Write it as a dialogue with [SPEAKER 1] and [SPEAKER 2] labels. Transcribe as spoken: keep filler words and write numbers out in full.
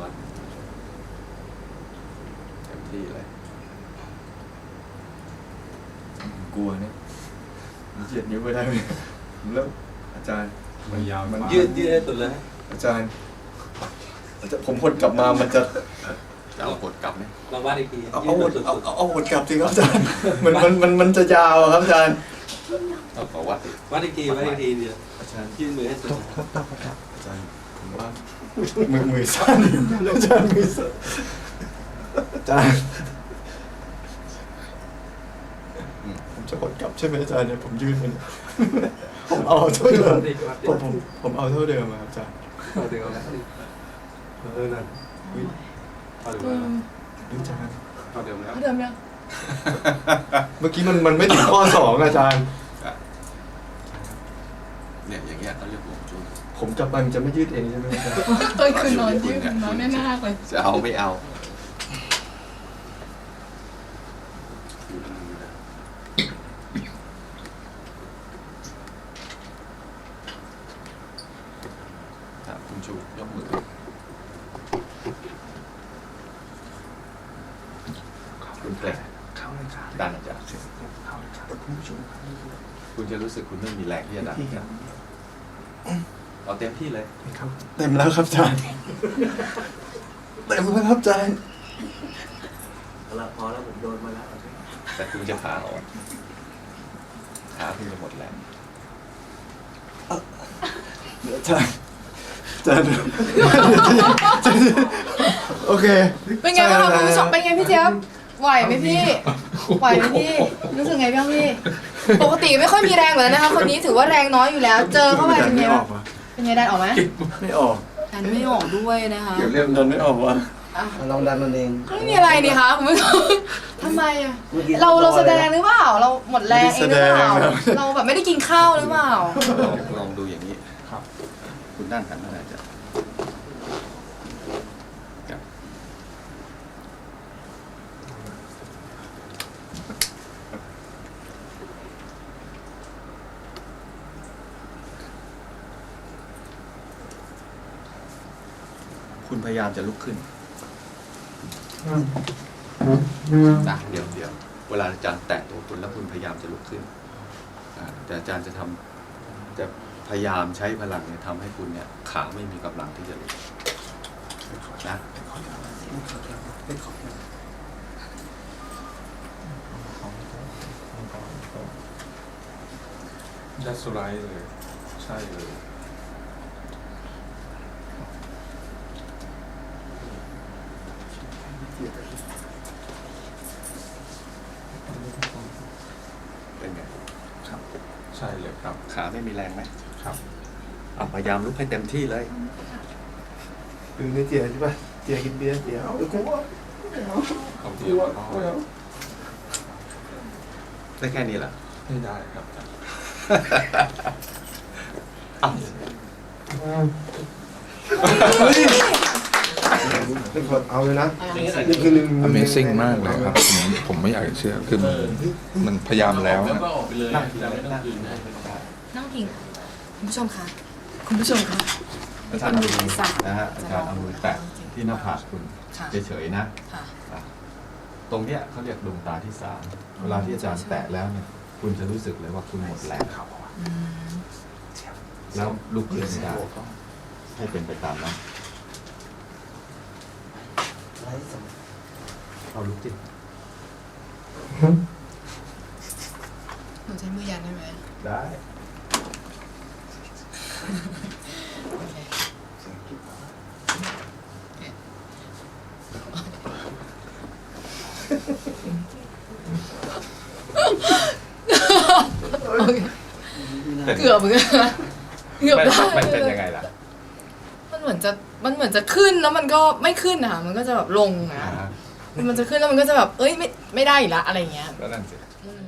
[SPEAKER 1] วัดเต็มที่เลยกลัวเนี่ยเหยียดนิ้วไปได้ไหมแล้วอาจารย์มันยาวมัน
[SPEAKER 2] ยืดยืดให้สุดเลย
[SPEAKER 1] อาจารย์อาจารย์ผมหดกลับมามันจะจะเอาหดกลับไหม
[SPEAKER 2] ลองวัดอีกที
[SPEAKER 1] เอาเอาหดเอาเอาหดกลับสิครับอาจารย์มันมันมันมันจะยาวครับอาจารย์เอาขอวัด
[SPEAKER 2] วัดอีกทีวัดอีกทีเดียวอาจารย์ยื่นมือให้สุด
[SPEAKER 1] อาจารย์ผมว่ามือมือสั้นอาจารย์มือสั้นอาจารย์ผมจะหดกลับใช่ไหมอาจารย์เนี่ยผมยืนมันผมเอาเท่าเดิมผมผมผมเอาเท่าเดิมครับอาจารย์
[SPEAKER 2] เอาเดิมแล้วเออนั่นเอาเดิมแล้ว
[SPEAKER 1] อาจารย์
[SPEAKER 2] เอาเดิมแล้ว
[SPEAKER 3] เอาเดิมยัง
[SPEAKER 1] เมื่อกี้มันมันไม่ถึงข้อสองอาจารย์
[SPEAKER 4] เนี่ยอย่างเงี้ยเขาเรียกห่วงจุ้ย
[SPEAKER 1] ผมจับไปมันจะไม่ยืดเองใช่ไหมอาจารย์
[SPEAKER 3] ตอนคืนนอนยืดนอนแน่นๆเลย
[SPEAKER 4] จะเอาไม่เอาคุณชูยกมือคุณแกล้งดันอาจารย์คุณผู้ชมคุณจะรู้สึกคุณไม่มีแรงที่จะดันเอาเต็มที่เลย
[SPEAKER 1] เต็มแล้วครับอาจารย์เต็มแล้วครับอาจารย์
[SPEAKER 2] แล้วพอแล้วผมโดนมาแล้ว
[SPEAKER 4] แต่คุณจะขาอ่อนขาคุณจะหมดแรง
[SPEAKER 1] อาจารย์อาจารย์โอเค
[SPEAKER 3] เป็นไงบ้างคะคุณผู้ชมเป็นไงพี่เจี๊ยบไหวไหมพี่ไหวไหมพี่รู้สึกไงบ้างพี่ปกติไม่ค่อยมีแรงเหมือนนะคะคนนี้ถือว่าแรงน้อยอยู่แล้วเจอเข้าไปเป็นไงบ้างเป็นไงดันออกไหม
[SPEAKER 1] ไม่ออก
[SPEAKER 3] ดันไม่ออกด้วยนะคะ
[SPEAKER 1] เดี๋ยวเรื่องดันไม่ออกวะ
[SPEAKER 2] ลองดันมันเอง
[SPEAKER 3] ไม่มีอะไรนี่คะคุณผู้ชมทำไมอะเราเราแสดงหรือเปล่าเราหมดแรงเองหรือเปล่าเราแบบไม่ได้กินข้าวหรือเปล่า
[SPEAKER 4] ลองดูอย่างนี้ครับคุณด้านหันอะไรจะคุณพยายามจะลุกขึ้นนะเดี๋ยวเดี๋ยวเวลาอาจารย์แตะตัวคุณแล้วคุณพยายามจะลุกขึ้นแต่อาจารย์จะทำจะพยายามใช้พลังเนี่ยทำให้คุณเนี่ยขาไม่มีกำลังที่จะลุกนะ
[SPEAKER 5] ยัดสไลด์เลยใช่เลย
[SPEAKER 4] เป็นไง
[SPEAKER 5] ครับใช่เลยครับ
[SPEAKER 4] ขาไม่มีแรงไหม
[SPEAKER 5] ครับ
[SPEAKER 4] เอาพยายามลุกให้เต็มที่เลย
[SPEAKER 1] คือไม่เจียใช่ป่ะเจียกินเบียร์เจียเอากูว่า
[SPEAKER 5] เอาเดียว
[SPEAKER 4] ได้แค่นี้เหรอ
[SPEAKER 5] ไม่ได้ครับ
[SPEAKER 1] เอาเลยนะ
[SPEAKER 5] Amazing มากเลยครับผมผมไม่อยากเชื่อคือมันมันพยายามแล้ว
[SPEAKER 3] นั่งพิงคุณผู้ชมคะคุณผู้ชมคะ
[SPEAKER 4] อาจารย์เอามือนะฮะอาจารย์เอามือแตะที่หน้าผากคุณเฉยๆนะตรงเนี้ยเขาเรียกดวงตาที่สามเวลาที่อาจารย์แตะแล้วเนี่ยคุณจะรู้สึกเลยว่าคุณหมดแรงแล้วลุกขึ้นไม่ได้ให้เป็นไปตามนั้นเอาลุกจิ
[SPEAKER 3] หนูใช้มือยันได้ไหม
[SPEAKER 4] ได้
[SPEAKER 3] เกือบเหมือนกันเกือบได้
[SPEAKER 4] มันเป็นยังไงล่ะ
[SPEAKER 3] มันเหมือนจะมันเหมือนจะขึ้นแล้วมันก็ไม่ขึ้นนะคะมันก็จะแบบลงนะมันจะขึ้นแล้วมันก็จะแบบเอ้ยไม่ไม่ได้อีกละอะไรเงี้ย
[SPEAKER 4] ก็นั่นสิ